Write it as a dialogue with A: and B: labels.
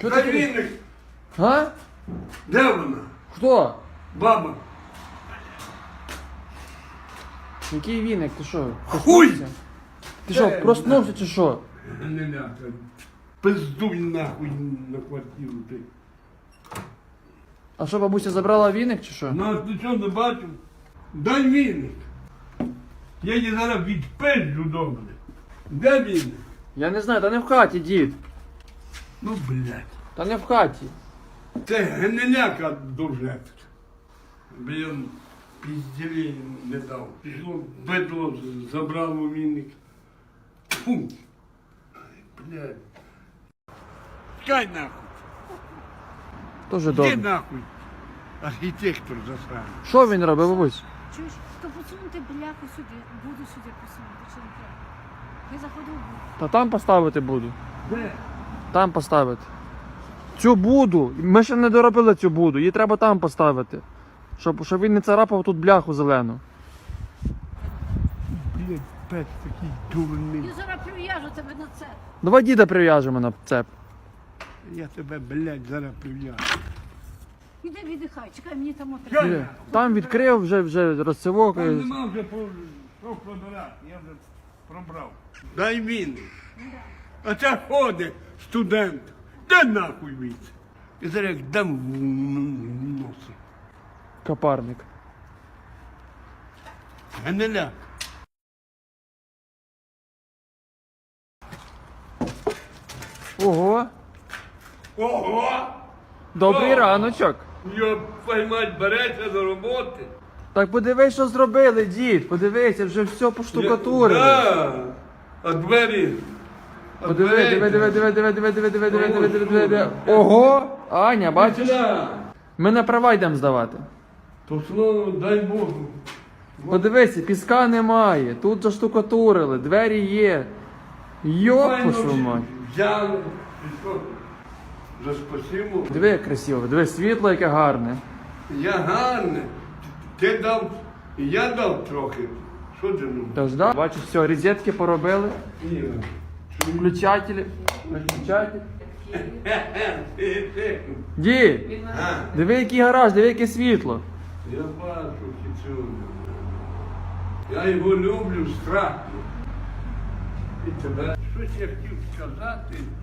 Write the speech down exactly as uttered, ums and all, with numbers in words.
A: Що
B: Та
A: ти?
B: віник.
A: А?
B: Де вона?
A: Хто?
B: Баба.
A: Який віник? Ти що?
B: Хуй!
A: проснувся? Ти що,
B: Де?
A: проснувся чи що?
B: Не ляка. Пиздуй нахуй на квартиру ти.
A: А що, бабуся забрала віник чи що?
B: Ну, ти що не бачив? Дай віник. Я її зараз відпизджу добре. Де віник?
A: Я не знаю, та не в хаті, дід.
B: Ну, блядь.
A: Та не в хаті.
B: Це гниляка дуже. Блін, пізділі не дав. Пішло бедло, забрало віник. Фу. Ай, блядь. Чекай нахуй.
A: Дуже
B: Іди
A: добре.
B: нахуй. Архітектор засраний.
A: Що він робить, бабусь?
C: Чуєш, то посунути бляху сюди, буду сюди посунути, чи не треба? Я заходив в буду.
A: Та там поставити буду.
B: Де?
A: Там поставити. Цю буду. Ми ще не доробили цю буду. Її треба там поставити. Щоб, щоб він не царапав тут бляху зелену.
B: Блядь, пес такий дурний.
C: Я зараз прив'яжу тебе на це.
A: Давай діда прив'яжемо на цеп.
B: Я тебе, блядь, зараз прив'яжу.
C: Іди віддихай, чекай, мені там
B: Що
C: отримати.
A: Є. Там відкрив вже, вже розцевок.
B: Там нема вже по що пробирати, я вже пробрав. Дай він. А це ходить студент. Де нахуй від? І зараз як дам в носи.
A: Капарник.
B: Генеляк.
A: Ого!
B: Ого!
A: Добрий
B: О!
A: раночок.
B: Йоп, мать, береться до роботи.
A: Так подивись, що зробили, дід. Подивися, вже все поштукатурили.
B: Да. А двері. а
A: Подиви,
B: двері-
A: диви, диви, диви, диви, диви, диви, диви, диви, диви, диви, диви, диви. Ого! Аня, бачиш?
B: Да.
A: Ми на права йдемо здавати.
B: То слово, дай Богу.
A: Подивися, піска немає. Тут заштукатурили, двері є. Йоп,
B: Файно
A: вашу мать.
B: взяли. І що? За спасибо.
A: Диви, як красиво, диви, світло яке гарне.
B: Я гарний. Ти дав, і я дав трохи. Що ти ну?
A: Тож, да? Бачиш, все, розетки поробили,
B: Ні.
A: включателі, виключателі.
B: Ти-
A: Дід,
B: А,
A: диви, який гараж, диви, яке світло.
B: Я бачу цю. Я його люблю страшно. І тебе. Щось я хотів сказати.